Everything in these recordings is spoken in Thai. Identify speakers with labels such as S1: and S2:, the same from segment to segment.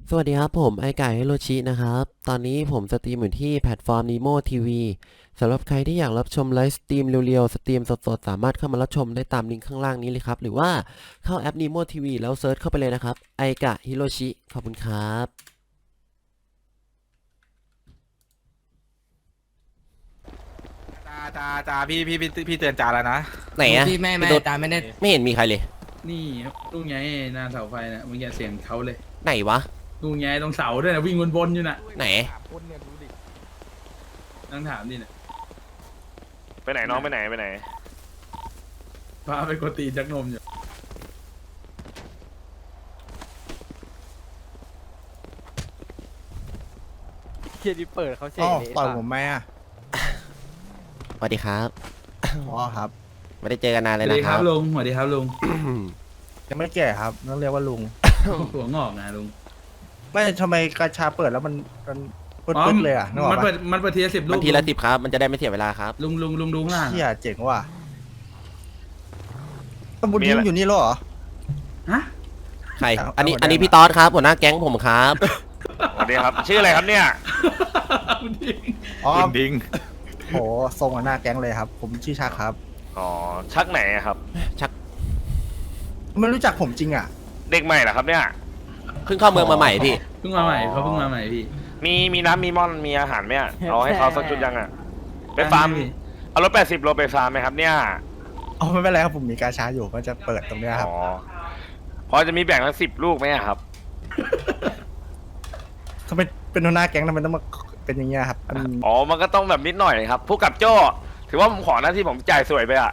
S1: สวัสดีครับผมไอไก่ฮิโรชินะครับตอนนี้ผมสตรีมอยู่ที่แพลตฟอร์ม Nemo TV สำหรับใครที่อยากรับชมไลฟ์สตรีมเรียวๆสตรีมสดๆสามารถเข้ามารับชมได้ตามลิงก์ข้างล่างนี้เลยครับหรือว่าเข้าแอป Nemo TV แล้วเซิร์ชเข้าไปเลยนะครับไอกะฮิโรชิขอบคุณครับ
S2: จ่าพี่เตือนจ่าแล้วนะ
S1: ไหนอะ
S3: พี่ไม่
S1: พี่ตุ๊ด
S3: ตามไม่ได้
S1: ไม่เห็นมีใครเลย
S4: นี่ลุงไงหน้าเสาไฟนะมึงอย่าเสียงเขาเลย
S1: ไหนวะ
S4: ลุงไงตรงเสาด้วยนะวิ่งวนๆอยู่น่ะ
S1: ไหน
S4: นั่งถามดิน่ะ
S2: ไปไหนน้องไปไหน
S4: พาไปกดตีนจักนมอยู่
S5: เฮียดิเปิดเขาเฉ
S6: อ๋
S5: ย
S6: อ
S5: เลย
S6: ต่อยผมไหมอ่ะ
S1: สวัสดีครับ
S6: อ๋อครับ
S1: ไม่ได้เจอกันนาน
S4: ส
S1: เล
S4: วั
S1: ย
S4: สดี
S1: นะ
S4: ค
S1: ค
S4: รั
S1: รั
S4: บบ ลุงสวัสดีครับลุง
S6: ยังไม่แก่ครับต้องเรียกว่าลุง
S4: หัวงอกนะลุง
S6: ไม่ทำไมกระชาเปิดแล้วมันปึ๊ดๆเลยอ่ะนึกออก
S4: มัน
S6: ปะ
S4: เปิดทีละ10 ลู
S1: มัน
S4: ก
S1: ทีละ10ครับมันจะได้ไม่เสียเวลาครับ
S4: ลุงดูข้างล่าง
S6: เชี่ยเจ๋งว่ะตำบุญยิ้มอยู่นี่เหรอ
S4: ฮะ
S1: ใคร
S6: เอา
S1: อันนี้
S6: เอา
S1: อันนี้
S6: ได้
S1: พี่ต๊อดครับหัวหน้าแก๊งผมครับ
S2: สวัสดีครับ ชื่ออะไรครับเนี่ย
S6: อ๋อ
S2: ดิง
S6: โหทรงหน้าแก๊งเลยครับ ผมชื่อชาครับ
S2: อ๋อชักไหนอะครับ
S6: ไม่รู้จักผมจริงอ่ะ
S2: เด็กใหม่เหรอครับเนี่ย
S1: เพิ่งเข้าเมืองมาใหม่พี่
S4: เพิ่งมาใหม่เขาเพิ่งมาใหม่พี่
S2: มีน้ำมีม่อนมีอาหารไหมอะเอาให้เขาสักชุดยังอะไปฟาร์มเอารถ80 โลไปฟาร์มไหมครับเนี่ย
S6: อ๋อไม่เป็นไรครับผมมีกาชาอยู่ก็จะเปิดตรงเนี้ยครับ
S2: อ๋อพอจะมีแบ่งทั้ง10 ลูกไหมอะครับ
S6: ทำไมเป็นหัวหน้าแก๊งทำไมต้องมาเป็นอย่างเงี้ยครับมัน
S2: อ๋อมันก็ต้องแบบนิดหน่อยครับผู้กับโจ้ถือว่าผมขอหน้าที่ผมจ่ายสวยไปอะ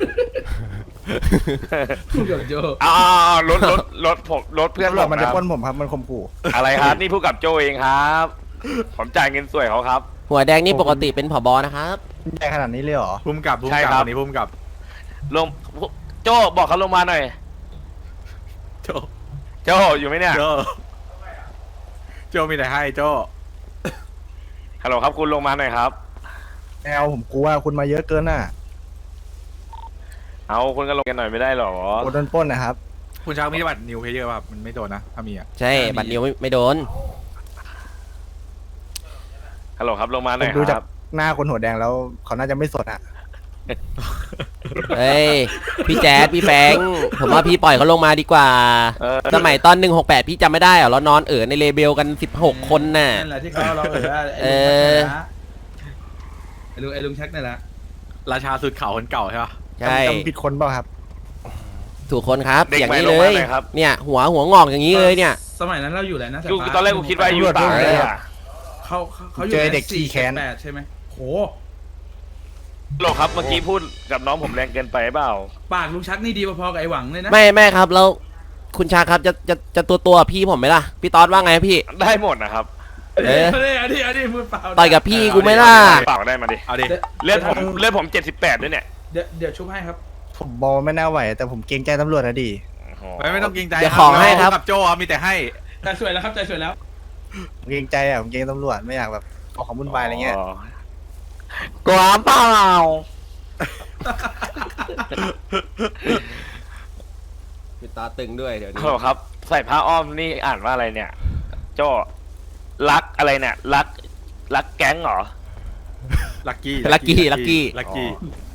S4: พูดกับโจ
S2: อ้รถเพื่อน
S6: ตำรวจ
S2: ผ
S6: มันจะ
S2: ครับ
S6: ปล้นผมครับมันข่มขู่
S2: อะไรครับนี่ผู้กับโจ้เองครับ ผมจ่ายเงินสวยเขาครับ
S1: หัวแดงนี่ปกติเป็นผบนะครับ
S6: ใหญ่ขนาดนี้เลยเหรอ
S7: พุ่มกับ
S2: ใช่ครับ
S7: วันนี้พุ่มกับ
S2: ลงโจ้บอกเขาลงมาหน่อย
S7: โจ
S2: โจ้อยู่ไหมเนี่ย
S7: โจโจมีแต่ให้โจ
S2: ฮัลโหลครับคุณลงมาหน่อยครับ
S6: แนวผมกลัวคุณมาเยอะเกินน่ะ
S2: เอาคุณก็ลงกันหน่อยไม่ได้หรอ
S6: โดนปล้นนะครับ
S7: คุณช้างมีบัตรนิวเพเยอร์ป่ะมันไม่โดนนะถ้ามีอ่ะ
S1: ใช่บัตรเดียวไม่โดน
S2: ฮัลโหลครับลงมาห
S6: ผ
S2: น่อ
S6: ม
S2: ย
S6: ดู
S2: ค
S6: จาก
S2: รับ
S6: หน้าคนหัวแดงแล้วเขาน่าจะไม่สดอ่ะ
S1: เฮ้ยพี่แจ๊ดพี่แฟงผมว่าพี่ปล่อยเขาลงมาดีกว่า สมัยตอน168พี่จำไม่ได้เหรอเรานอนในเลเบลกัน16 คนน่ะ
S4: นั่นแหละที่เขาเราไอ้ลุงชักนี่แหละ
S7: ราชาสุดเขาคนเก่าใช่ป่ะ
S1: ใช่
S6: จำผิดคนเปล่าครับ
S1: ถูกคนครับ
S2: เด็ก
S1: อย่าง
S2: ใหม่
S1: นี้
S2: ล
S1: เล
S2: งมาย หน่อยครับ
S1: เนี่ยหัวงอกอย่างนี้เลยเนี่ย
S4: สมัยนั้นเราอยู่อะไรนะ
S2: กูตอนแรกกูคิดว่าอยู่ต่างเลยอะ
S4: เขาอยู่
S6: เจอเด็กขี้แค้น
S4: 8ใช่ไหมโห
S2: ฮัลโหลครับเมื่อกี้พูดกับน้องผมแรงเกินไปเปล่า
S4: ปากลุงชักนี่ดีพอๆกับไอ้หวังเลยนะ
S1: ไม่ครับแล้วคุณชาครับจะตัวพี่ผมไหมล่ะพี่ต๊อดว่าไงพี่
S2: ได้หมดนะครับ
S1: เอ๊ะ
S4: อันนี้พูดเปล่า
S1: ต่อยกับพี่กูไหม่ล่ะ
S2: เปล่าได้มาดิ
S7: เอาดิ
S2: เลือดผม78ด้วยเนี่ย
S4: เดี๋ยวชุบให้ครับ
S6: ผมบอกไม่น่าไหว แต่ผมเกรงใจตำรวจนะดิ
S2: โอ้โห
S7: ไม่ต้องเกรงใจ
S1: เดี๋ยวของให้ครับ
S7: กับโจครับมีแต่ให้
S4: ใจสวยแล้วครับใจสวยแล้ว
S6: ผมเกรงใจอ่ะผมเกรงตำรวจไม่อยากแบบออกของวุ่นวายอะไรเงี้ย
S2: กลัวเปล่า
S1: พี่ต๊อดตึงด้วยเดี๋ยวนี้
S2: ฮัลโหลครับใส่ผ้าอ้อมนี่อ่านว่าอะไรเนี่ยโจ้รักอะไรเนี่ยรักแก๊งเหรอ
S7: ลักกี้
S1: ลักกี้
S7: ลักกี้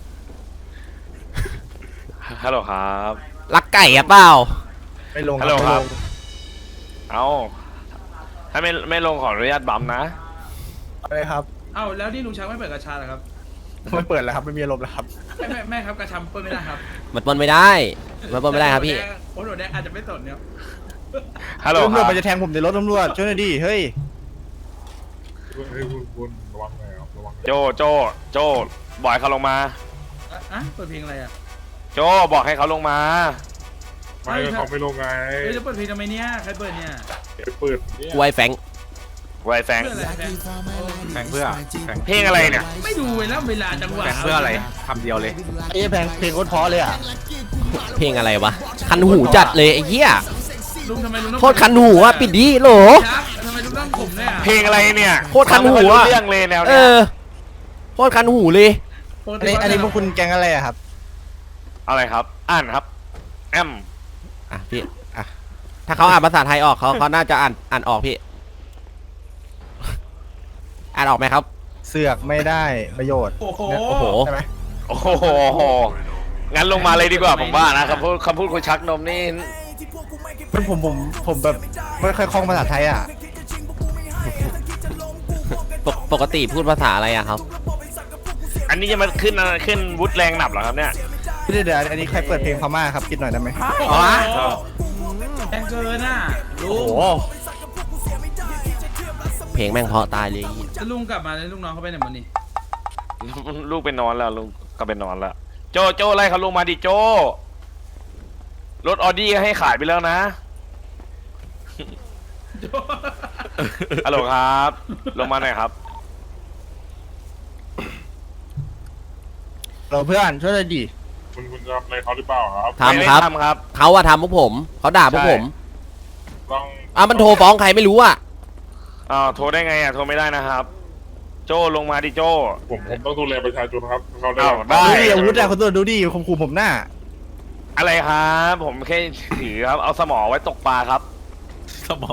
S2: ฮัลโหลครับ
S1: รักไก่อะเปล่า
S6: ไม่ลง
S2: ฮัลโหล
S6: ไม่
S2: ค
S6: ล
S2: รับ
S6: ง
S2: เอาถ้าไม่ลงขออนุญาตบัมป์นะ
S6: อะไรครับ
S4: เอ้าแล้วนี่ลุงชักไม่เปิดกระชาเหรอครับ
S6: ไม่เปิดแล้วครับไม่มีอารมณ์แล้วครับ
S4: แม่ครับกระชาเปิดไม่ได้ครับ
S1: มันปนไม่ได้มันปนไม่ได้ครับพี่
S4: โอ้โหแดงอาจจะไม่สนเนี่ย
S2: ฮัลโหล
S6: ตำ
S2: ค
S6: รว
S2: รั
S6: จ
S2: บ
S6: มันจะแทงผมในรถตำรวจช่วยหน่อยดิเฮ้ย
S2: โจบอกให้เขาลงมา
S4: อ่ะเปิดเพลงอะไรอ่ะ
S2: โจบอกให้เขาลงมา
S4: ไม่เขาไม่ลงไงเฮ้ยจะเปิดเพลงทำไมเนี่ยใครเปิดเนี่ย
S1: กล้วยแฟง
S2: ไวแฟง
S4: เพื่ออะไรแฟน
S7: แข่งเพื่อแข่ง
S2: เพลงอะไรเนี่ย
S4: ไม่ดูเวลาจังหวะ
S7: แข่งเพื่ออะไรคำเดียวเลย
S6: ไอ้เพลงโคตรเพราะเลยอ่ะ
S1: เพลงอะไรวะคันหูจัดเลยไอ้เหี้ย
S4: ลุงทำไมลุงต้อง
S1: โคตรคันหูอะปิดดีโหล
S4: ชักทำไมลุงต้องผมเนี่ย
S2: เพลงอะไรเนี่ย
S1: โคตรคันหู
S2: ฟังไม่
S1: อะ
S2: ค่อยรู้เรื่องเลยแนว
S1: เอ
S2: เนี้ย
S1: อโคตรคันหูเลย
S6: อันนี้พวกคุณแกงอะไรอะครับ
S2: อะไรครับ อ่านครับแอม
S1: อ่ะพี่อ่ะถ้าเขาอ่านภาษาไทยออกเขาน่าจะอ่านออกพี่ อ่านออกไหมครับ
S6: เสือกไม่ได้ประโยชน์
S4: โอ้โห
S1: โอ้โห
S6: ใช่ไหม
S2: โอ้โหงั้นลงมาเลยดีกว่าผมว่านะคำพูดคนชักนมนี่
S6: ผมแบบไม่ค่อยคล่องภาษาไทยอ่ะ
S1: ปกติพูดภาษาอะไรอะครับ
S2: อันนี้จะมาขึ้นวุฒิแรงหนับเหรอครับเนี่ย
S6: พี่เดี๋ยวอันนี้ใครเปิดเพลงพม่าครับคิดหน่อยได้ไหม
S4: อ๋อแรงเกินน่ะลุ
S6: โอ้
S4: ง
S6: โห
S1: เพลงแม่งเพราะตายเลย
S4: แล้วลุงกลับมาแล้วลูกน้องเขาไปไหนหมดนี่
S2: ลูกไปนอนแล้วลุงก็ไปนอนแล้วโจไล่เขาลงมาดิโจรถออดี้ให้ขายไปแล้วนะฮัลโหลครับ ลงมาหน่อยครับ
S6: เราเพื่อนช่วยหน่อยดิ
S3: คุณจะทำอะไรเขาหรือเปล่าครับ
S1: ทำครับ
S2: ไม่ได้ทำครับ
S1: เขาอะทำพวกผมเขาด่าพวกผม
S3: ต้อง
S1: มันโทรฟ้องใครไม่รู้อะ
S2: โทรได้ไงอ่ะโทรไม่ได้นะครับ โจลงมาดิโจ
S3: ผมต้องดูแลประชาชนครับเขาได้
S2: ได้
S6: ดูดิอาวุธอะคนตัวดูดิข่มขู่ผมหน้า
S2: อะไรครับผมแค่ถือครับเอาสมอไว้ตกปลาครับ
S7: สมอง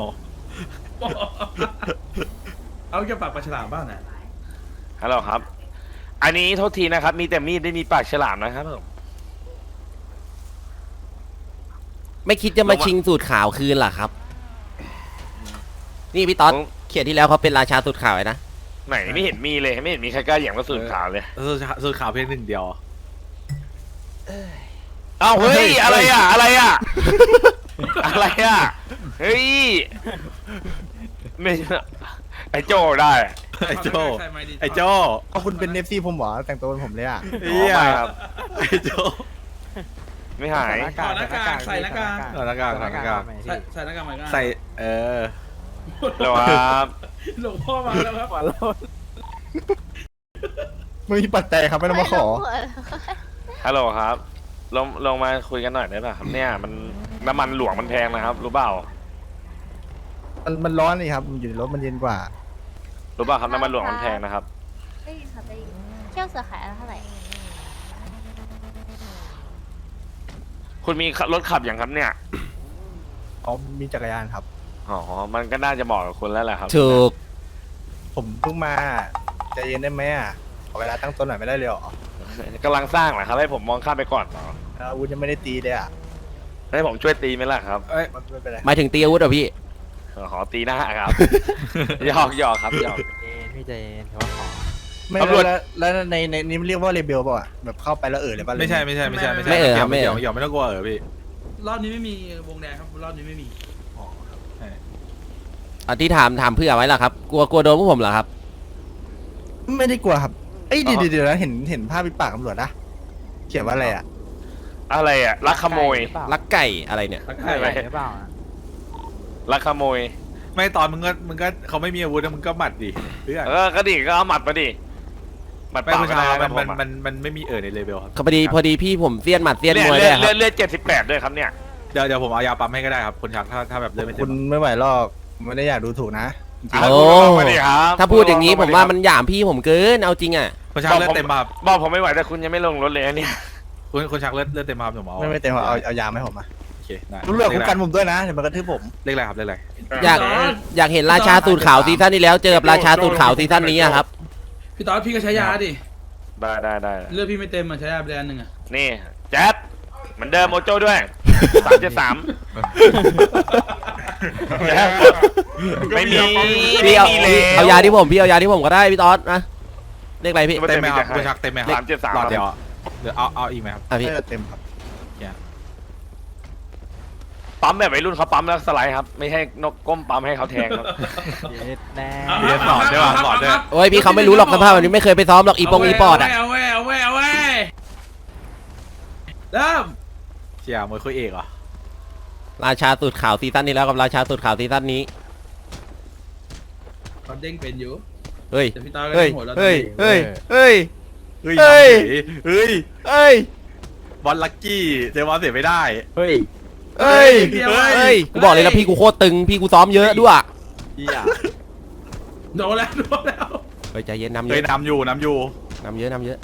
S4: เอาจะปากปลาฉลามบ้างนะ
S2: ฮัลโหลครับ อันนี้โทษทีนะครับ มีแต่มีดไม่มีปากฉลามนะครับผม
S1: ไม่คิดจะมาชิงสูตรขาวคืนเหรอครับ นี่พี่ต๊อดเขียนที่แล้วเขาเป็นราชาสูตรขาวไว้นะ
S2: ไหนไม่เห็นมีเลยไม่เห็นมีใครกล้าเหยียบกระสุนขาวเลย
S7: สูตรขาวเพียงหนึ่งเดียว
S2: เอ้าเฮ้ยอะไรอ่ะอะไรอ่ะ อะไรอ่ะเฮ้ยไม่ไอ้โจได้
S7: ไอ้โจ
S4: ใครไม่ดี
S7: ไอ้โจ
S6: ก็คุณเป็นเอฟซีผมเหรอแต่งตัวเป็นผมเลยอ่ะ
S7: เฮีย
S2: ไม่ครับ
S7: ไอ้โจ
S2: ไม่หาย
S4: ถอดหน้ากากใส่หน้ากาก
S7: หน้ากากหน้ากาก
S4: ใส่หน้ากากใหม่ก็
S7: ใส่เออ
S2: ฮัลโหลครับ
S4: หลวงพ่อมาแล้วครับ
S6: ไม่มีปัจจัยครับไม่ต้องมาขอ
S2: ฮัลโหลครับลงมาคุยกันหน่อยได้ป่ะครับเนี่ยมันน้ำมันหลวงมันแพงนะครับ รู้เปล่า
S6: มันร้อนนี่ครับมันอยู่ในรถมันเย็นกว่า
S2: รู้เปล่าครับน้ำมันหลวงมันแพงนะครับ
S8: ได้ยินค่ะได้ยินเที่ยวเสือขายเท่าไหร่
S2: คุณมีรถขับอย่างครับเนี่ย
S6: อ๋อมีจักรยานครับ
S2: อ๋อมันก็น่าจะเหมาะกับคุณแล้วแหละครับ
S1: ถูก
S6: ผมเพิ่งมาใจเย็นได้ไหมอ่ะขอเวลาตั้งต้นหน่อยไม่ได้เลยเหรอก
S2: ำลังสร้างเหรอครับให้ผมมองข้ามไปก่อนเหรอ
S6: อาวุธยังไม่ได้ตีเลยอ่ะ
S2: ให้ผมช่วยตีไหมล่ะครับ
S7: เอ้ย
S6: มันไม่เป็นไร
S1: หมายถึงตีอาวุธเหรอพี่
S2: ขอตีหน้าครับ หยอกครับหยอก
S5: พี่เจนถือว่าขอ
S6: ไม่
S2: ตำรวจ
S6: แล้วในนี้มันเรียกว่าเรเบลเปล่าอ่ะแบบเข้าไปแล้วเลยป่ะ
S7: ไม่ใช่
S1: ไม่เอ่ยครับไม่เอ่ย
S7: หยอกไม่ต้องกลัวพี่
S4: รอบนี้ไม่มีวงแดงครับรอบนี้ไม่มี
S1: ที่ถามเพื่อไว้ล่ะครับ กลัวโดนพวกผมเหรอครับ
S6: ไม่ได้กลัวครับเอ้ยเดี๋ยวนะเห็นภาพปิดปากตำรวจนะเขียนว่าอะไรอ่ะ
S2: อะไรอ่ะลักขโมย
S1: ลักไก่อะไรเนี่ย
S4: ตะไค
S2: ใช่ไหม
S4: ร้
S5: หรือเปล่าอะ
S2: ลักขโมย
S7: ไม่ตอนมึงก็เขาไม่มีอาวุธนะมึงก็หมัดดิเพื่อน
S2: ก็ดิก็เอาหมัดมาดิหมัด
S7: ไม่
S2: เปล่า
S7: ผู้
S2: ไม่
S7: ชาย
S2: ได้
S7: มั
S2: นะ
S7: น
S2: ผม
S7: มันไม่มีในเลเวลครับ
S1: พอดีพี่ผมเสี้ยนหมัดเสี้ยน
S2: เลื
S1: มวย
S2: อ
S1: ด้วย
S2: ด
S1: ครับ
S2: เลือด78ด้วยครับเนี่ย
S7: เดี๋ยวผมเอายาปั๊มให้ก็ได้ครับคนชักถ้าแบบเลือดไม่เต็
S6: คุ
S7: ม
S6: ณไม่ไหวหรอกไม่ได้อยากดูถูกนะ
S1: โอ้
S2: มาดิครับ
S1: ถ้าพูดอย่างนี้ผมว่ามันหยามพี่ผมเกิน เอาจริงอ่ะ
S7: คนชักเลือดเต็มมา
S2: บอกผมไม่ไหวแต่คุณยังไม่ลงรถเลยนะเนี่ย
S7: คนชักเลือดเต็มมาผมเอา
S6: ไม่เต็มเอายาให้ผมมา
S7: โอเคได้
S6: รู้เรื่องคุ้มกันผมด้วยนะเดี๋ยวมันกระทืบผม
S7: เลขอะไรครับเลขอะไร
S1: อยากเห็นราชาสูตรขาวซีซั่นที่แล้วเจอกับราชาสูตรขาวซีซั่นนี้อะครับ
S4: พี่ต๊อดพี่ก็ใช้ยาดิ
S2: ได้
S4: เลือดพี่ไม่เต็มอ่ะใช้ยาไปอันหนึ่งอ่ะ
S2: นี่แจ๊ดเหมือนเดิมโอโจ้ด้วย373ไม่มี
S1: พี่เอา
S2: ไม่มี
S1: เอายาที่ผมพี่เอายาที่ผมก็ได้พี่ต๊อดนะเรียกอะไรพี่
S7: เต็มไหมครับคนชักเต็มไหมครับ
S2: 373
S7: หลอดเดียวอะเดี๋ยวเอาอีกไหมครับ
S1: อ่ะพี่
S6: เต็มครับ
S2: ปั๊มแบบวัยรุ่นเขาปั๊มแล้วสไลด์ครับ ไม่ให้นกก้มปั๊มให้เขาแทงครับ
S5: เย็ดแน่
S7: เรียนสอนด้วยว่ะสอนด้วย
S1: โอ้ยพี่เขาไม่รู้หรอกสภาพแบบนี้ไม่เคยไปซ้อมหรอกอีปอดอ่ะ
S4: เอาไว้เริ่ม
S7: เชียร์มวยคุยเอกเหรอ
S1: ราชาสูตรขาวซีซั่นนี้แล้วกับราชาสูตรขาวซีซั่นนี้
S4: ตอนเด้งเป็นอยู่
S1: เฮ้ย
S4: แต่พี่ต๊อดก็
S1: เฮ้ย
S4: เด้งหัวเรา
S1: เฮ้ยเฮ้ยเฮ้ย
S7: เฮ้ย
S1: เฮ้ย
S7: เฮ้ย
S1: เฮ้ย
S7: บอลลักกี้เจอบอลเสียไม่ได้
S5: เฮ้ย
S1: เฮ้ยเฮ้ยกูบอกเลยนะพี่กูโคตรตึงพี่กูซ้อมเยอะด้วย
S7: เฮีย
S4: โดนแล้ว
S1: เฮ้ยใจเย็นนำเย
S7: เฮ้ย
S1: อะ
S7: นำอยู่
S1: นำเยอะ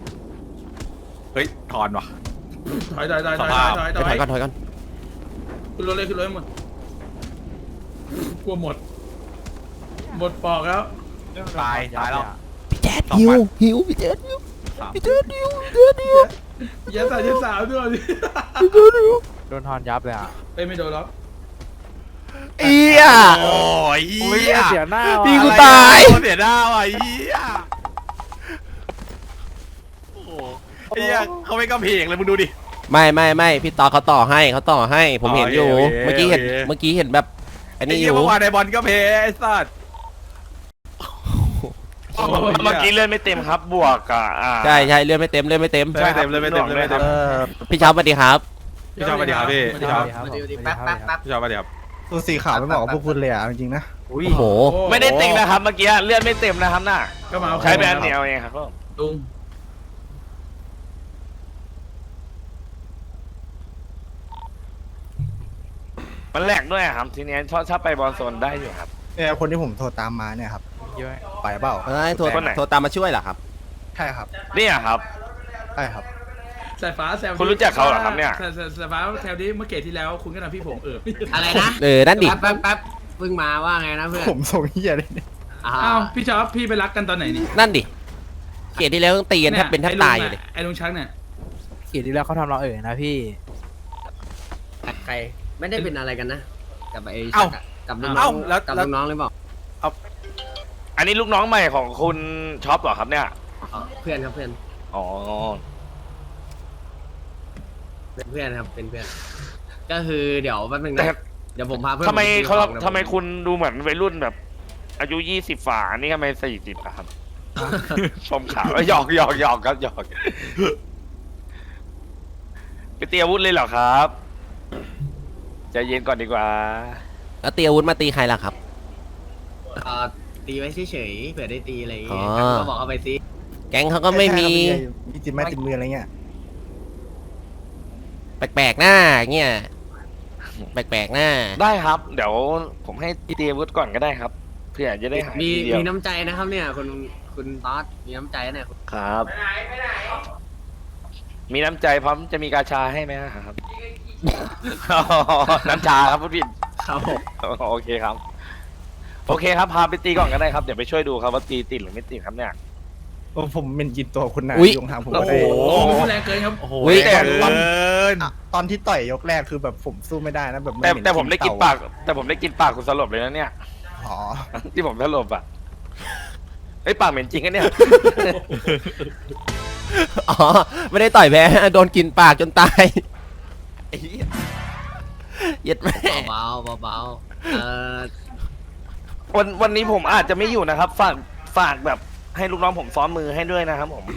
S7: เฮ้ยถอนว่ะ
S4: ถอย
S1: ถอยก่อน
S4: ขึ้นรถเลยขึ้นรถให้หมดกลัวหมดปอกแล้ว
S7: ตายแล้ว
S1: พี่แจ๊ดหิวพี่แจ๊ดหิวพี่แจ๊ดหิวพี่แจ๊ดหิว
S4: ยัดสาวด้วยดิ
S5: โดนทอนยับเลยอ่ะ
S4: ไม่โดนแล้ว
S1: เอีย
S7: โอ้ย
S5: เสียหน้า
S1: พี่
S5: ว่ะ
S1: กูตาย
S7: เสียหน้าว่ะเฮียโอ้โหเฮียเขาไม่กระเพกเลยมึงดูดิ
S1: ไม่พี่ต่อเขาต่อให้ผมเห็นอยู่
S7: โอเค
S1: เมื่อกี้เห็นแบบอัน
S7: ไอ้
S1: นี้อ
S7: เหี้ย
S1: ยู่
S7: เมื่อวานในบอลก็เพไอ้สัส
S2: เมื่อกี้เลื่อนไม่เต็มครับ บวกอ่ะ
S1: ใช่เลื่อนไม่เต็ม
S7: ไม่เต็มเลยไม่เต็มเลย
S1: พี่เช้าสวัสดีครับ
S7: พี่ชอบมาดีครับพี่พี่ชอบ
S5: ครับ
S7: พี่ชอบมาดีครับ
S6: ตัวสีขาวไม่เหมาะกับพวกคุณเลยอ่ะจริงๆนะ
S1: โอ้โห
S2: ไม่ได้ติงนะครับเมื่อกี้เลื่อนไม่เต็มนะครับน่ะ
S4: ก็มาเอา
S2: ใช้แบรนด์เดียวเองครับ
S4: ลุง
S2: มันแหลกด้วยครับ ทีนี้ชอบไปบอลโซนได้อยู่ครับ
S6: เนี่ยคนที่ผมโทรตามมาเนี่ยครับ
S5: เยอะ
S6: ไปเปล่า
S1: โทรตามมาช่วยเหรอครับ
S6: ใช่ครับ
S2: เนี่ยครับ
S6: ใช่ครับ
S4: สายฟ้าแซว
S2: คุณรู้จักเขาเหรอครับเนี่ย
S4: สายฟ้าแซวดิเมื่อเกตที่แล้วคุณก็ทำพี่ผม
S9: อะไรนะ
S1: นั่นดิ
S9: แป๊บเพิ่งมาว่าไงนะเพื่อน
S6: ผมส่งเฮียเลยเนี่ย
S4: อ้าวพี่ชอบพี่ไปรักกันตอนไหนนี่
S1: นั่นดิเกลียดที่แล้วต้องตีกันแทบเป็นแทบตายอยู่เลย
S4: ไอ้ลุงชักเนี่ย
S5: ขีดที่แล้วเขาทำเรานะพี่
S9: ใครไม่ได้เป็นอะไรกันนะกับไอ้
S7: เอ้า
S9: กับลูกน้
S7: เอ้า
S9: อง
S7: แล้ว
S9: กับลูกน้องหรือเปล่า
S2: อันนี้ลูกน้องใหม่ของคุณช็อปเหรอครับเนี่ย
S9: อ๋อเพื่อนครับเพื่อน
S2: อ๋อ
S9: เป็นเพื่อนครับเป็นเพื่อน ก็คือเดี๋ยวแป๊บนึง
S2: แต่
S9: นะเดี๋ยวผมพาเพื่อน
S2: ทำไม
S9: ปซื้อ
S2: เขา
S9: ของ
S2: ทำไมคุณดูเหมือนวัยรุ่นแบบ อายุ20ฝ่าอันนี้ทำไม40อะครับ ชมขาวหยอกครับหยอกไปเตรียมอาวุธเลยเหรอครับใจเย็นก่อนดีกว่า
S1: แล้วตีอาวุธมาตีใครล่ะครับ
S9: ตีไว้เฉยๆเผื่อได้ตีอะไรอย่าง
S1: อ๋
S9: เงี้
S1: อ
S9: ยก็บอกเขาไปซิ
S1: แก๊งเขาก็ไม่มี
S6: มีติดไม้ติดมืออะไรเงี้ย
S1: แปลกๆหน้าเงี้ยแปลกๆหน้า
S2: ได้ครับ เดี๋ยวผมให้เตรียมอาวุธก่อนก็ได้ครับ เพื่อจะได้หาย
S9: มี
S2: ทีเดียว
S9: มีน้ำใจนะครับเนี่ยคุณต๊อดมีน้ำใจนะเนี่ย
S2: ครับ มีน้ำใจพร้อมจะมีกาชาให้ไหมครับ น้ำชาครับพูดผิด
S9: ครับผม
S2: โอเคครับ โอเคครับพาไปตีก่อนก็ได้ครับเดี๋ยวไปช่วยดูครับว่าตีติดหรือไม่ติดครับเนี่ย
S6: โอ้ผมเป็นกินตัวคุณนะ
S1: อุ๊ย
S6: ยงทางผม
S4: โอ้
S6: ก็
S4: โห
S6: ได้
S4: แรงเกินครับ
S7: โอ้โห
S1: อุ๊ย
S7: เกิน
S6: ตอนที่ต่อยยกแรกคือแบบผมสู้ไม่ได้นะแบบน
S2: แต่
S6: เห
S2: แต่ผมได้กินปาก
S6: เต่
S2: แต่ผมได้กินปากคุณสลบเลยนะเนี่ย
S6: อ๋อ
S2: ที่ผมสลบอ่ะไอ้ยปากเหม็นจริงกันเนี่ย
S1: อ๋อไม่ได้ต่อยแพ้โดนกินปากจนตายไอ้เหี้ยเย็ดแม่
S9: เบาๆเบาๆ
S2: วันนี้ผมอาจจะไม่อยู่นะครับ ฝากแบบให้ลูกน้องผมซ้อมมือให้ด้วยนะครับผม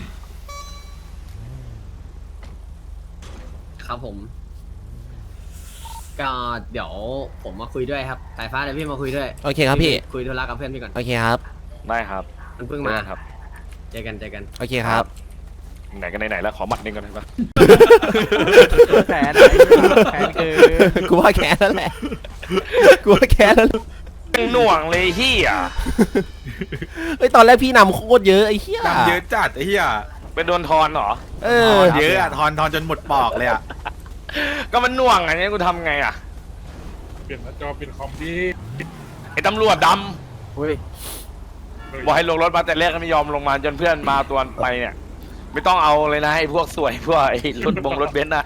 S9: ครับผม ก็เดี๋ยวผมมาคุยด้วยครับสายฟ้าเดี๋ยวพี่มาคุยด้วย
S1: โอเคครับพี่
S9: คุยธุระกับเพื่อนพี่ก่อน
S1: โอเคครับ
S2: ได้ครับ
S9: มันเพิ่งมา
S2: ได้ครับ
S9: เจอกัน
S1: โอเคครับ
S2: ไหนกันไหนๆแล้วขอหมัดหนึงก่อนได้ปะ
S5: แผนแผนคือ
S1: กูว่าแค้นแล้วแหละกูว่าแค้นแล้ว
S2: หน่วงเลยที่อ่ะ
S1: เฮ้ยตอนแรกพี่นำโคตรเยอะไอ้เหี้ย
S7: ดำเยอะจัดไอ้เหี้ย
S2: ไปโดนทอนเหรอ
S1: เอ
S7: ท
S1: อ
S7: อนเยอะอะทอนจนหมดปอกเลยอะ
S2: ก็มันหน่วงอันนี้กูทำไงอ่ะ
S3: เปลี่ยนหน้าจอเปลี่ยนคอมดี
S2: ไอ้ตำรวจด
S5: อุ้ย
S2: ำบอกให้ลงรถมาแต่แรกก็ไม่ยอมลงมาจนเพื่อนมาตัวไปเนี่ย ไม่ต้องเอาเลยนะไอ้พวกสวยพวกไอ้รถรถเบนซ์นะ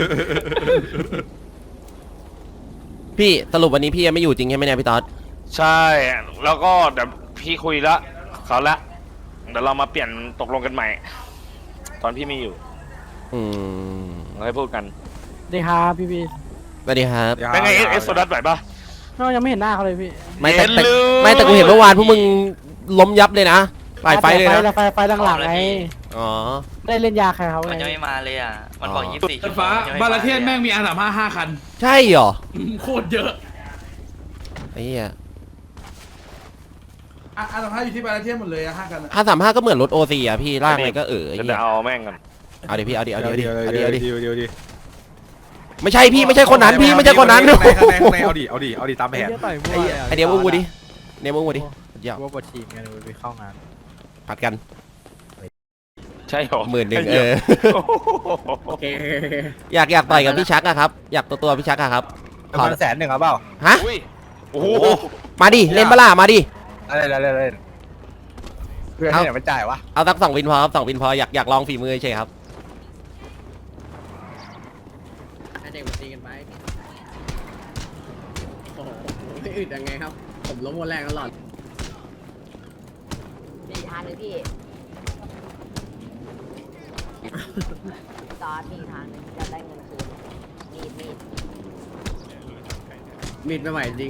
S1: พี่สรุปวันนี้พี่ยังไม่อยู่จริงใช่ไหมเนี่ยพี่ต๊อด
S2: ใช่แล้วก็เดี๋ยวพี่คุยละเขาละเดี๋ยวเรามาเปลี่ยนตกลงกันใหม่ ตอนพี่ไม่อยู่
S1: อืม
S2: เราให้พูดกัน
S5: ดีครับพี่
S1: สวัสดีครับ
S2: เป็นไงเอสโซดัสไหวปะ
S5: น้องยังไม่เห็นหน้าเขาเลยพี่
S1: ไม่แต่
S2: เห็นเลย
S1: ไม่แต่กูเห็นเมื่อวานพวกมึงล้มยับเลยนะปลายไฟเลยนะ
S5: ไฟหลังๆไง
S1: อ๋อ
S5: ได้เล่นยาใครเขาไง
S10: มันจะไม่มาเลยอ่ะ มันบอก
S1: อ๋อ
S10: 24
S4: สา
S10: ชั่
S4: ยว
S10: โม
S4: ฟ้าง
S10: จะ
S4: บา
S10: ไ
S4: ราเทียนแม่งมีอาสาม5 คัน
S1: ใช่เหรอ
S4: โคตรเยอะ
S1: ไอ้เหี้ย
S4: อาสาม5อยู่ที่บาราเทียนหมดเลยอะ5 คันอะ
S1: 535ก็เหมือนรถโอซีอ่ะพี่ลากอะไรก็ไอ้
S2: เดี๋
S1: เหี้ย
S2: ยวเอาแม่งกัน
S1: เอาดิพี่เอาดิเอาดิ
S7: เดี๋ยว
S1: เอา
S7: เดี๋
S1: ดิ
S7: ยว
S1: เอาดิเอาดิ
S7: เดี๋ยวเดี๋ยว
S1: ไม่ใช่พี่ไม่ใช่คนนั้นพี่ไม่ใช่คนนั้น
S7: ข้างในเอาดิตามแผน
S5: ต่อยมั่ว
S1: ไอเดียวมึงกูดิเนี่ยมึงกูดิเดี๋ยว
S5: ว่าบททีมกันเลยไปเข้างาน
S1: ผัดกัน
S2: ใช่หรอ
S1: 10,000
S2: โอ้โห
S9: โอเค
S1: อยากต่อยกับพี่ชักอะครับอยากตัวพี่ชักอะครับ
S6: ผประมาณ100,000เอาเปล่า
S1: ฮะ
S2: อุ้ยโอ้โห
S1: มาดิเล่นปะล่ะมาดิ
S6: อะไรเพื่อนที่ไหนมันจ่ายวะ
S1: เอาสัก2 วินพอครับ2 วินพออยากลองฝีมือเฉยครับ
S9: ให้เด็กมาตีกันไปโอ้โหไม่อึดยังไงครับ ผมล้มวันแรกตลอด
S8: มีอีกทางหนึงพี่จอดมีอีกทางหนึงจะได้เงินคืนมีด
S9: มีดไม่ไหวจริง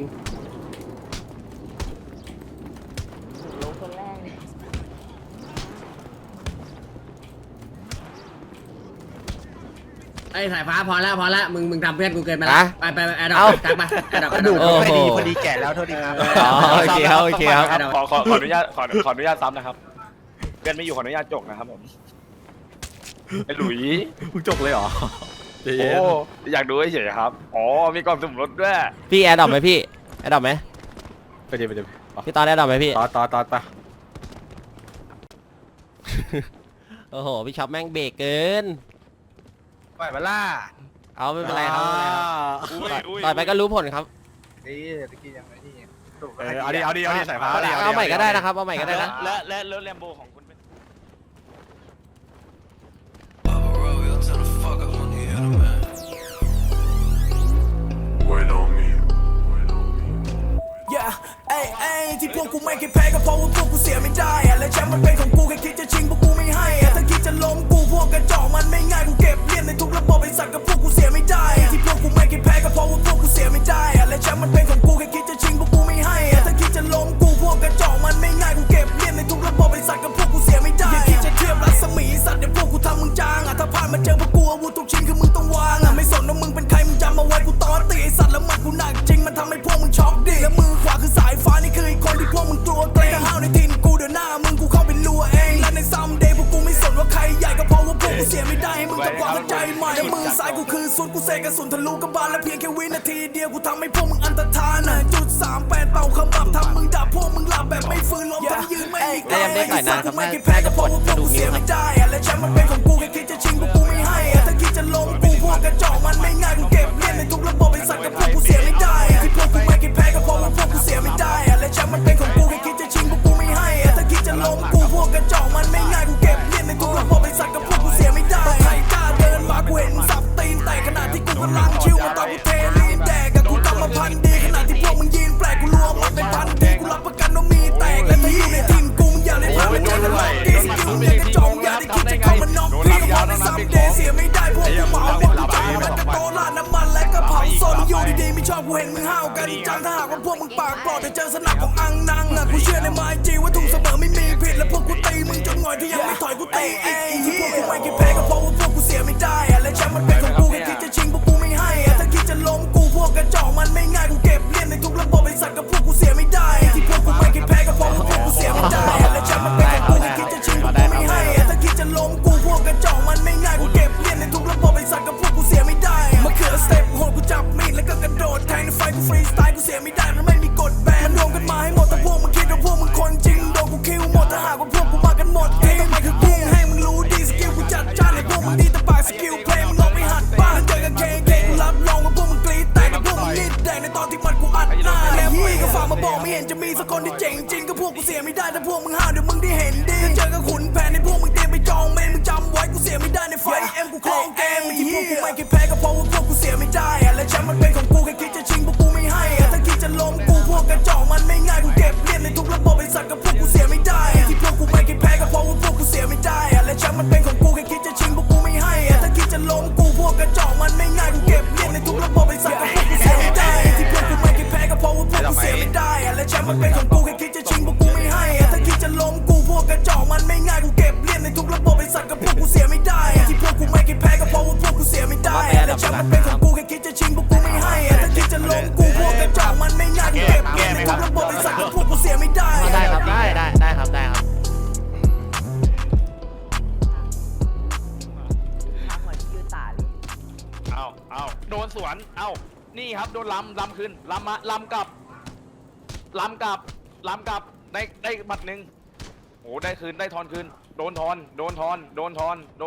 S8: ลงคนแรกเลย
S9: ไอ้สายฟ้าพอแล้วมึงทำเพื่อนกูเกินไปแล้ว
S1: ฮะ
S9: ไปแอดดอ
S1: เอ้า
S9: ปทักมาแอดดอป
S6: กระดูก
S1: โอ้โห
S6: ไม่ดีพอดีแก่แล้วโทษทีครับ
S1: อ๋อโอเคครับโอเคครับ
S2: ขออนุญาตขออนุญาตซ้ำนะครับเพื่อนไม่อยู่ขออนุญาตจกนะครับผมไอ้หลุย
S7: มึงจบเลยเหรอเดี๋ยว
S2: โอ้อยากดูเฉยๆครับอ๋อมีกล่องสุ่มรถด้วย
S1: พี่แอร์ดรอปไหมพี่แอร์ดรอปไหม
S7: ไปเดี๋ยว
S1: พี่ตอนแอร์ดรอปไหมพี่
S7: ต่อไป
S1: โอ้โหพี่ช็อปแม่งเบรกเกิน
S6: ปล่อยมาล่า
S1: เอาไม่เป็นไรครับไม่เป็นไรครับ
S2: อุ้ย
S1: ต่อยไปก็รู้ผลครับ
S6: นี่ตะกี้ยังไงนี่
S7: เอาดิสายฟ้า
S1: เอาใหม่ก็ได้นะครับเอาใหม่ก็ได้นะ
S2: และรถแลมโบของคุณเป็น
S10: ที่พวกกูไม่เคยแพ้ก็เพราะว่าพวกกูเสียไม่ได้อะและแชมป์มันเป็นของกูแค่คิดจะชิงพวกกูไม่ให้อะถ้าคิดจะล้มกูพวกกระจอกมันไม่ง่ายกูเก็บเลียนในทุกระบบไอ้สัตว์กับพวกกูเสียไม่ได้อะที่พวกกูไม่เคยแพ้ก็เพราะว่าพวกกูเสียไม่ได้อะและแชมป์มันเป็นของกูแค่คิดจะชิงพวกกูไม่ให้อะถ้าคิดจะล้มกูพวกกระจอกมันไม่ง่ายกูเก็บเลียนในทุกระบบไอ้สัตว์กับพวกกูเสียไม่ได้อย่าคิดจะเทียบรัศมีสัตว์เดี๋ยวพวกกูทำมึงจางอะถ้าผ่านมาเจอพวกกูอาวุธทุกชิ้นคือมึงต้องวางอะไม่สนว่ามึงเป็นใครมึงจำเอาไว้กูตอตีไอ้สัตว์แล้วมันกูหนักจริงมันทำให้พวกมึงช็อกดิและมือขวาคือสายฟ้านี่คือไอ้คนที่พวกมึงกลัวเกรงถ้าห้าวในทินกูเดี๋ยวหน้ามึงกูเข้าไปลัวเองและในซัมเดย์พวกกูไม่สนว่าใครใหญ่ก็เพราะว่าพวกกูเสียไม่ได้ให้มึงกับความเข้าใจใหม่และมือซ้ายกูคือสุดกูเสกกระสุนทะลุกระบาลและเพียงแค่วินาทีเดียวกูทำให้พวกมึงอันตรธานนะ.38เป่าขมับทำมึงดับพวกมึงหลับแบบไม่ฟื้นล้มทั้งยืนไม่มี
S1: ได้ยังได้ต่อยนานครับ
S10: ไม่เคยแพ้ก็เพราะว่าพวกกูเสียไม่ได้อะและแชมป์มันเป็นของกูแค่คิดจะชิงพวกกูไม่ให้อะถ้าคิดจะล้มกูพวกกระจอกมันไม่ง่ายกูเก็บเลียนในทุกระบบไอ้สัตว์กับพวกกูเสียไม่ได้อะที่พวกกูไม่เคยแพ้ก็เพราะว่าพวกกูเสียไม่ได้อะและแชมป์มันเป็นของกูแค่คิดจะชิงพวกกูไม่ให้อะถ้าคิดจะล้มกูพวกกระจอกมันไม่ง่ายกูเก็บเลียนในทุกระบบไอ้สัตว์กับพวกกูเสียไม่ได้ใครกล้าเดินมากูเห็นสับตีนแต่ขณะที่กูกำลังชิวมาตอนกูเทลีนแดกกับกูกำมาพันดีขณะที่พวกมึงยืนแปลกกูรัวมันเป็นพันทีกูรับประกันว่ามีแตกและถ้าอยู่ในทีมกูมึงอย่าได้พลาดเป็นการล็อกดีสกิลเนี่ยกระจอกอย่าได้คิดจะเข้ามาน็อกพี่ก็บอกในซัมเดย์เสียไม่ได้พวกกูเหมาหมดใจมันกระโตลาดน้ำมันและกระเผาโซนอยู่ดีๆไม่ชอบกูเห็นมึงห้าวกันจังถ้าหากว่าพวกมึงปากปลอดจะเจอสนับของอังนังอะกูเชื่อในไม้จีว่าถูกเสมอไม่มีผิดและพวกกูตีมึงจนหงอยที่ยังไม่ถอยกูตีเองที่พวกกูไม่เคยแพ้ก็เพราะว่าพวกกูเสียไม่ได้อะและแชมป์มันเป็นของกูแค่คิดจะชิงพวกกูไม่ให้อะถ้าคิดจะล้มกูพวกกระจอกมันไม่ง่ายกูเก็บเลียนในทุกระบบไอ้สัตว์กับพวกกูเสียไม่ได้ที่พวกกูไม่เคยแพ้ก็เพราะว่าพวกกูเสียไม่ได้อะและแชมป์มันเป็นของกูแค่คิดจะชิงพวกกูไม่ให้อะถ้าคิดจะล้มกูพวกกระจอกมันไม่ง่ายกูเก็บเลียนในทุกระบบไอ้สัตว์กับพวกกูเสียไม่ได้มะเขือสเต็ปโหดกูจับมีดแล้วก็กระโดดแทงในไฟกูฟรีสไตล์กูเสียไม่ได้มันไม่มีกฎแบนมันรวมกันมาให้หมดแต่พวกมึงคิดว่าพวกมึงคนจริงโดนกูคิวหมดถ้าหากว่าพวกกูมากันหมดทีมไม่คือกูให้มึงรู้ดีสกิลกูจัดจ้านให้พวกมึงดีแต่ปากสกิลเพลงมึงลองไปหัดบ้างเจอกับเคกูรับรองว่าพวกมึงกรี๊ดแต่กับพวกมึงนิดแดงในตอนที่มันกูอัดหน้าแล้วพี่ก็ฝากมาบอกไม่เห็นจะมีสักคนที่เจ๋งจริงก็พวกกูเสียไม่ได้ถ้าพวกมึงห้าวเดี๋ยวมึงได้เห็นดีเจอกับขุนแผนในพวกมึงเตรียมไปจองเมนมึงจำไว้กูเสียไม่ได้ในไฟเอ็มกูคลองเกมที่พวกกูไม่เคยแพ้ก็เพราะว่าพวกกูเสียไม่ได้อะและแชมป์มันเป็นของกูแค่คิดจะชิงพวกกูไม่ให้อะถ้าคิดจะล้มกูพวกกระจอกมันไม่ง่ายกูเก็บเลียนในทุกระบบไอ้สัตว์กับพวกกูเสียไม่ได้ที่พวกกูไม่เคยแพ้ก็เพราะว่าพวกกูเสียไม่ได้อะและแชมป์มันเป็นของกูแค่คิดจะชิงพวกกูไม่ให้อะถ้าคิดจะล้มกูพวกกระจอกมันไม่ง่ายกูเก็บเลียนในทุกระบบไอ้สัตว์กับพวกกูเสียไม่ได้ที่พวกกูไม่เคยแพ้ก็เพราะว่าพวกกูเสียไม่ได้อะและแชมป์มันเป็นของกูแค่คิดจะชิงพวกกูไม่ให้อะถ้าคิดจะล้มกูพวกกระจอกมันไม่ง่ายกูเก็บเลียนในทุกระบบไอ้สัตว์กับพวกกูเสียไม่ได้ที่พวกกูไม่เคยแพ้ก็เพราะว่าพวกกูเสียไม่ได้และแชมป์มันเป็นของกูแค่คิดจะชิงพวกกูไม่ให้อะถ้าคิดจะล้มกูพวกกระจอกมันไม่ง่ายกูเก็บเลียนในทุกระบบไอ้สัตว์กับพวกกูเสียไม่ได้
S1: ได้ครับได้ครับได้ครับ
S8: ทำเหมือนยืนตาเลย
S2: เอาโดนสวนเอานี่ครับโดนลำขึ้นลำมาลำกลับได้บัตรหนึ่งโอ้ได้คืนได้ทอนคืนโดนทอน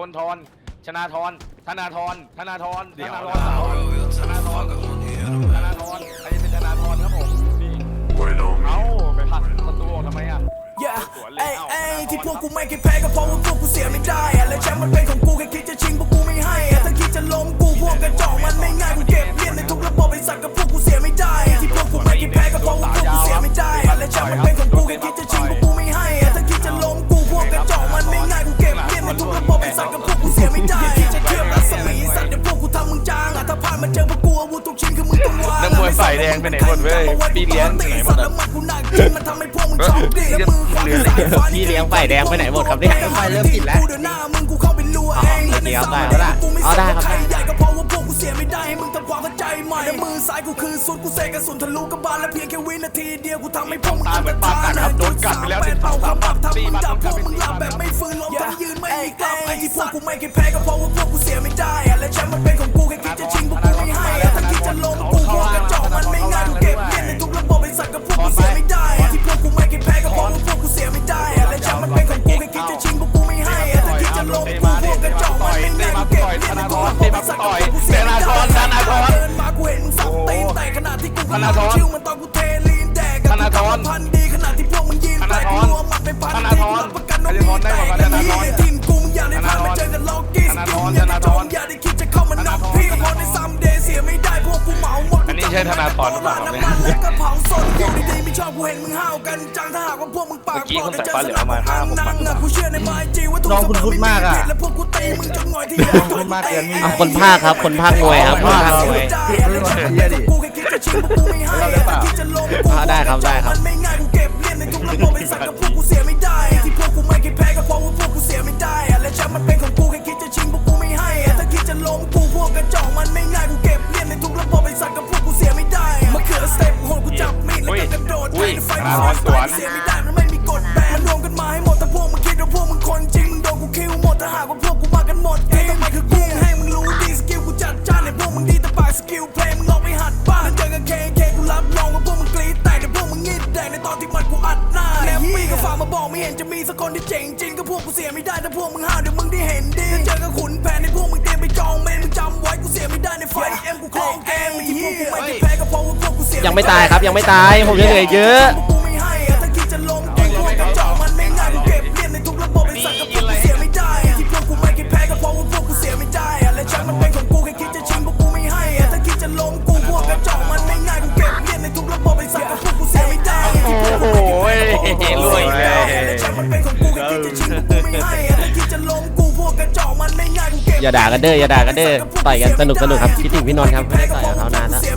S2: ชนะทอนธนาทรเสาธนาทรอันนี้เป็นธนาธรครับผมนี่เอ้าไปผลักประตูออกทำไมอ่ะ
S10: Yeah เอ้ยเอ้ยที่พวกกูไม่เคยแพ้ก็เพราะว่าพวกกูเสียไม่ได้อะและแชมป์มันเป็นของกูแค่คิดจะชิงพวกกูไม่ให้อะถ้าคิดจะล้มกูพวกกระจอกมันไม่ง่ายกูเก็บเลียนในทุกระบบไอ้สัตว์กับพวกกูเสียไม่ได้ที่พวกกูไม่เคยแพ้ก็เพราะว่าพวกกูเสียไม่ได้อะและแชมป์มันเป็นของกูแค่คิดจะชิงพวกกูไม่ให้อะถ้าคิดจะล้มกูพวกกระจอกมันไม่ง่ายกูเก็บเลียนในทุกระบบไอ้สัตว์กับพวกกูเสียไม่ได้คิดจะเทียบรัศมีสัตว์เดี๋ยวพวกกูทำมึงจางอะถ้าผ่านมาเจอพวกกูอาวุธทุกชิ้นคือมึงต้องวาง
S2: นักมวยฝ่ายแดงไปไหนหมดเว้ยพี่เลี้ยงไปไหนหมดอะ
S10: แล้วมันกูหนักจริงมันทำให้พวกมึงชอบดีแล้วมือขวาคือสายฟ้า
S5: พี่เลี้ยงฝ่ายแดงไปไหนหมดครับเนี่ย
S6: ไฟเริ่มติดแล้ว
S10: เดินหน้ามึงกูเข้าไปลัวเองและในสามเดือนกูไม่สนว่าใครใหญ่ก็เพราะว่าพวกกูเสียไม่ได้ให้มึงทำความเข้าใจใหม่และมือซ้ายกูคือสุดกูเสกกระสุนทะลุกระบาลและเพียงแค่วินาทีเดียวกูทำให้พวกมึงอันตรธานโดนกัดไปแล้วเป่าความบับทำมึงดับพวกมึงหลับแบบไม่ฟื้นล้มทั้งยืนไม่มีกลับไอ้ที่พวกกูไม่เคยแพ้ก็เพราะว่าพวกกูเสียไม่ได้และแชมป์มันเป็นของกูแค่คิดจะชิงพวกกูไม่ให้ถ้าคิดจะล้มกูพวกกระจอกมันไม่ง่ายกูเก็บเลียนในทุกระบบไอ้สัตว์กับพวกกูเสียไม่ได้ที่พวกกูไม่เคยแพ้ก็เพราะว่าพวกกูเสียไม่ได้และแชมป์มันเป็นของกูแค่คิดจะชิงพวกกูไม่ให้ถ้าคิดจะล้มกูพวกกระจอกมันไม่ง่ายกูเก็บเลียนในทุกระบบไอ้สัตว์กับพวกกูเสียไม่ได้เดินมากูเห็นมึงสับตีนแต่ขนาดที่กูกำลังชิวมันตอนกูเทลีนแดกกับกูพันดีขนาดที่พวกมึงยืนแตกรัวมันไปพันดีกูรับประกันว่ามีแตกและมีในทีมกูมึงอย่าได้พลาดมาเจอกันล็อกกี้สกิลอย่าได้จองอย่าได้คิดจะเข้ามาน็อกพี่ก็เพราะในซัมเดย์เสียไม่ได้พวกกูเหมาหมด
S2: อันนี้ใช่ธนาธรหรือเปล่าครับเนี่ย
S10: น้ำมันและกระเผาสดอยู่ดีๆไม่ชอบกูเห็นมึงห้าวกันจังถ้าหากว่าพวกมึงปาก
S2: เมื่อกี้
S10: ปลอ
S2: คน
S10: ด
S2: ใส่ฟ้าเหลืองเอามา5-6
S10: นั่ง
S2: บาท
S10: กูเชื่อในไมจีว่าทุก
S6: น้องคุณพูดมากอะ
S10: และพวกกูตีมึงจนหน่อยที่
S6: น้องคุณมากเกินไม่
S1: อ่ะคนภาคครับคนภาคมวยครับคนภาคมวย ได้ครับได้ครับ
S10: มันไม่ง่ายกูเก็บเลียนในทุกระบบไอ้สัตว์กับพวกกูเสียไม่ได้ที่พวกกูไม่เคยแพ้ก็เพราะว่าพวกกูเสียไม่ได้และแชมป์มันเป็นของกูแค่คิดจะชิงพวกกูไม่ให้ถ้าคิดจะล้มกูพวกกระจอกมันไม่ง่ายกูเก็บเลียนในทุกระบบไอ้สัตว์กับพวกกูเสียไม่ได้มะเขือสเต็ปโหดกูจับมีดแล้วก็กระโดดไปไฟเสียไม่ได้มันไม่มีกฎแบนมันรวมกันมาให้หมดแต่พวกมึงคิดว่าพวกมึงคนจริงมึงโดนกูคิวหมดถ้าหากว่าพวกกูมากันหมดเองไม่คือกูให้มึงรู้ดีสกิลกูจัดจ้านในพวกมึงดีแต่ปากสกิลเพลงมึงลองไปหัดบ้างแล้วเจอกับเคกูรับรองว่าพวกมึงกรี๊ดแต่พวกมึงงีดแดงในตอนที่มันกูอัดหน้าแล้วมีก็ฝากมาบอกไม่เห็นจะมีสักคนที่เจ๋งจริงก็พวกกูเสียไม่ได้ถ้าพวกมึงห้าวเดี๋ยวมึงได้เห็นดีเจอกับขุนแผนในพวกมึงเตรียมไปจองเมนมึงจำไว้กูเสียไม่ได้ในไฟเอ็มกูคลองเกมที่พวกกูไม่เคยแพ้ก็เพราะว่าพวกกูเสีย
S1: ยังไม่ตายครับยังไม่ตายผมยังเหลือเยอะ
S10: กูไม่ให้ถ้าคิดจะล้มกูพวกกระจอกมันไม่ง่ายกูเก็บเลียนในทุกระบบไอ้สัตว์กับพวกกูเสียไม่ได้ที่พวกกูไม่เคยแพ้ก็เพราะว่าพวกกูเสียไม่ได้และแชมป์มันเป็นของกูแค่คิดจะชิงพวกกูไม่ให้ถ้าคิดจะล้มกูพวกกระจอกมันไม่ง่ายกูเก็บเลียนในทุกระบบไอ้สัตว์กับพวกกูเสียไม่ได้ที่พวกกูไม่เคยแพ้ก็เพราะว่าพวกกูเสียไม่ได้และแชมป์มันเป็นของกูแค่คิดจะชิงพวกกูไม่ให้ถ้าคิดจะล้มกูพวกกระจอกมันไม่ง่ายกูเก็บ
S1: อย่าด่ากันเด้ออย่าด่ากันเด้อต่อยกันสนุกสนุกครับคิดถึงพี่นนท์ครับไม่ได้ต่อยกับเขานานแล้ว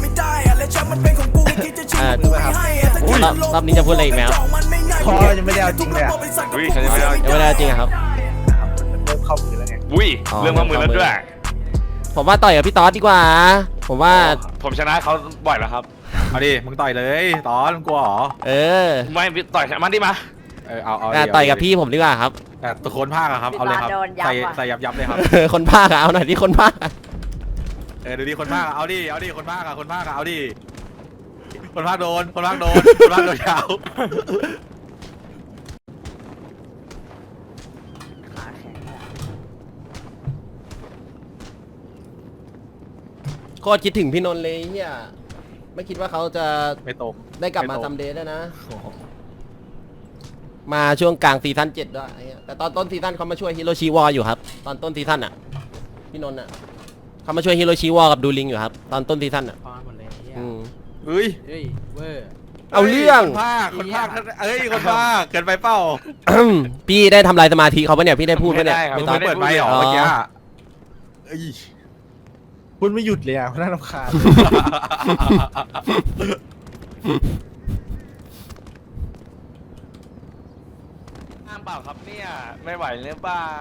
S1: รอบนี้จะพูดอะไรอีกไหมครับ
S6: พอยังไม่ได้เอาจริงเลยอะ
S2: อุ้ยเขาจะไม่เอา
S1: ยังไม่ได้จริงอะครับ
S6: เริ่มเข้ามือแล้วไง
S2: อุ้ยเรื่องมามือแล้วด้วย
S1: ผมว่าต่อยกับพี่ต๊อดดีกว่า ผมว่า
S2: ผมชนะเขาบ่อยแล้วครับ
S7: เอาดิมึงต่อยเลยตอนมึงกลัวเหรอ
S1: เออ
S2: ไม่ต่อยมันดิมา
S7: เอา
S1: ต่อยกับพี่ผมดีกว่าครับ
S7: แต่ตะโคนภาคอะครับเอาเลยครับใส่ยับเลยครับ
S1: คนภาคอะเอาหน่อยที่คนภาคอะ
S7: ดูดิคนภาคอะเอาดิคนภาคอะเอาดิคนภาคโดนคนภาคโดนยาว
S8: ขาแข็งอะ
S1: โคตรคิดถึงพี่นนท์เลยเฮียไม่คิดว่าเขาจะ
S7: ไม่ตก
S1: ได้กลับมา
S7: ไม่ตรง
S1: ซัมเดย์ด้วยนะ มาช่วงกลางซีซั่น7ด้วยไอ้เหี้ยแต่ตอนต้นซีซั่นเขามาช่วยฮิโรชิวออยู่ครับ ตอนต้นซีซั่นอ่ะ พี่นนท์อ่ะเขามาช่วยฮิโรชิวอกับดูลิงอยู่ครับ ตอนต้นซีซั่นอ่ะ
S5: พอหมดเลยเนี่ย
S1: อืม
S7: เฮ้ย
S5: เฮ้ยเวอร์
S1: เอาเรื่อง
S7: คนภาคคนภาคเกินไปเปล่า
S1: พี่ได้ทำลายสมาธิเขาปะเนี่ย พี่ได้พูดปะเนี่ย
S2: ไม่
S1: ไม่
S2: ได้
S1: ต้
S2: ค
S1: อ
S2: รั
S1: ง
S2: บ
S7: เปิดไมค์เหรอเมื่อกี้เอ้ย
S6: พูดไม่หยุดเลยอ่ะน่ารำคาญ
S2: ห้ามเปล่าครับเนี่ยไม่ไหวหรือเปล่า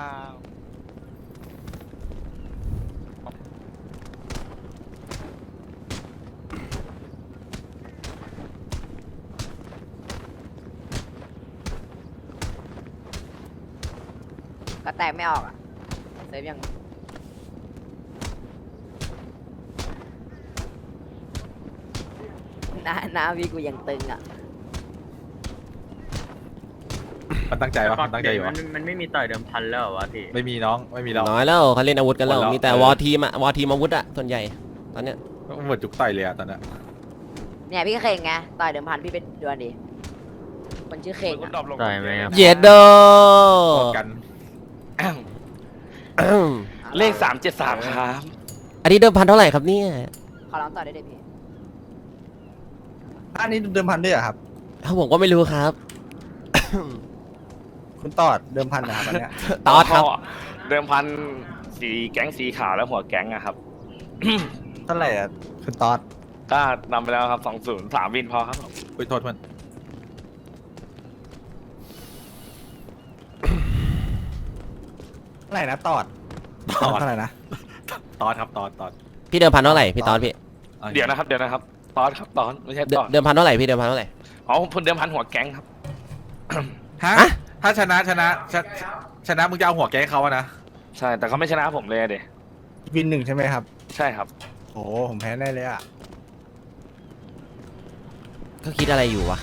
S8: ก็แตกไม่ออกอ่ะเซฟยังหน้าพี่กูยังตึงอ่ะ
S7: มันตั้งใจวะมันตั้งใจอยู่วะ
S5: มันไม่มีต่อยเดิมพันแล้ววะพี่
S7: ไม่มีน้องไม่มีเรา
S1: น้อยแล้วเขาเล่นอาวุธกันแล้ว
S7: หมดแล้ว
S1: มีแต่วอทีมอะวอทีมอาวุธอะส่วนใหญ่ตอนเนี้ย
S7: เหมือนจุกต่อยเลยอะตอนนั้น
S8: เนี่ยพี่ก็เข่งไงต่อยเดิมพันพี่เป็นดวลดิคนชื่อเข่ง
S2: มึ
S8: อะ
S2: ดรอปลง
S5: ต่อยไหมครับ
S1: เย็ดโด
S7: กัน
S2: เลข373ครับ
S1: อันนี้เดิมพันเท่าไหร่ครับเนี่ย
S8: ขอร้องต่อยได้เลยพี่
S6: อันนี้เดิมพันด้วยเหรอครับ
S1: ผมก็ไม่รู้ครับ
S6: คุณตอดเดิมพันนะครับอันเนี้ย
S1: ตอดครับ
S2: เดิมพันสีแก๊งสีขาวแล้วหัวแก๊งอะครับ
S6: เท่าไหร่อ่ะคุณตอด
S2: ก็นำไปแล้วครับ20 3วินพอครับผม
S7: อุ้ยโทษมัน
S6: เท่าไหร่นะตอด
S7: ตอด
S6: เท่าไหร่นะ
S7: ตอดครับตอด
S1: พี่เดิมพันเท่าไหร่พี่ตอดพี่
S2: เดี๋ยวนะครับตอนครับตอนไม่ใช่ตอน
S1: เดิมพันเท่าไหร่พี่เดิมพันเท่าไหร่
S2: อ๋อผมเดิมพันหัวแก๊งครับ
S7: ฮะ
S1: ฮะ
S7: ถ้าชนะมึงจะเอาหัวแกให้เขาอะนะ
S2: ใช่แต่เขาไม่ชนะผมเลยอะเด
S6: วิน1ใช่ไหมครับ
S2: ใช่ครับ
S6: โอ้ผมแพ้แน่เลยอ่ะ
S1: เขาคิดอะไรอยู่วะ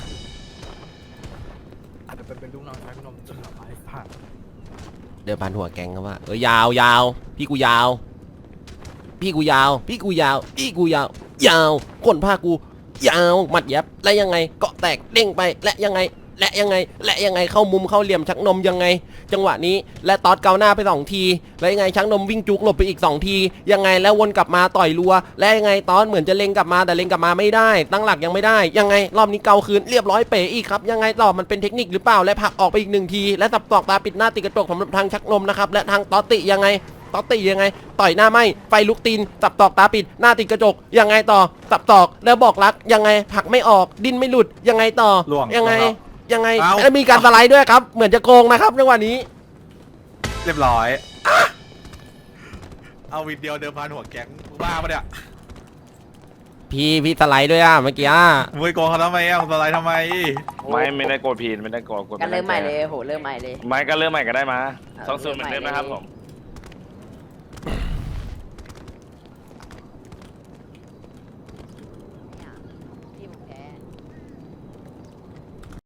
S6: อาจจะเป็นลูกน้องชายคุณนมจนหลับไปผ่าน
S1: เดิมพันหัวแกงครับว่ายาวยาวพี่กูยาว พี่กูยาว พี่กูยาว พี่กูยาว ยาวคนผ้ากู ยาวหมัดยับและยังไงเกาะแตกเด้งไปและยังไงและยังไงและยังไงเข้ามุมเข้าเหลี่ยมชักนมยังไง จังหวะนี้และตอดเกาหน้าไป2ทีแล้วยังไงชักนมวิ่งจุกหลบไปอีก2ทียังไงแล้ววนกลับมาต่อยรัวและยังไงตอดเหมือนจะเล็งกลับมาแต่เล็งกลับมาไม่ได้ตั้งหลักยังไม่ได้ยังไงรอบนี้เกาคืนเรียบร้อยเป๋อีกครับยังไงต่อมันเป็นเทคนิคหรือเปล่าและผลักออกไปอีก1ทีและสับตอกตาปิดหน้าติดกระจกสำหรับทางชักนมนะครับและทางตอดติยังไงตอดติยังไงต่อยหน้าไหมไฟลุกตีนสับตอกตาปิดหน้าติดกระจกยังไงต่อสับตอกแล้วบอกรักยังไงผลักไม่ออกดิ้นไม่หลุดยังไงต่อ
S7: ล่วง
S1: ยังไง
S7: ล่วง
S1: ยังไง
S7: เอ้า
S1: แล้วมีการสไลด์ด้วยครับ เหมือนจะโกงนะครับจังหวะนี้
S7: เรียบร้อย เอาวินเดียวเดิมพันหัวแก๊งมึงบ้าปะเนี่ย
S1: พี่สไลด์ด้วยอ่ะเมื่อกี้อ่ะ
S7: มึงไปโกงเขาทำไมอ่ะมึงสไลด์ทำไม
S2: ไม่ได้โกรธพีนไม่ได้โกรธ
S8: กันเริ่มใหม่เลยโหเริ่มใหม่เลย
S2: ไม่ก็เริ่มใหม่ก็ได้มา20เหมือนเดิมนะครับผม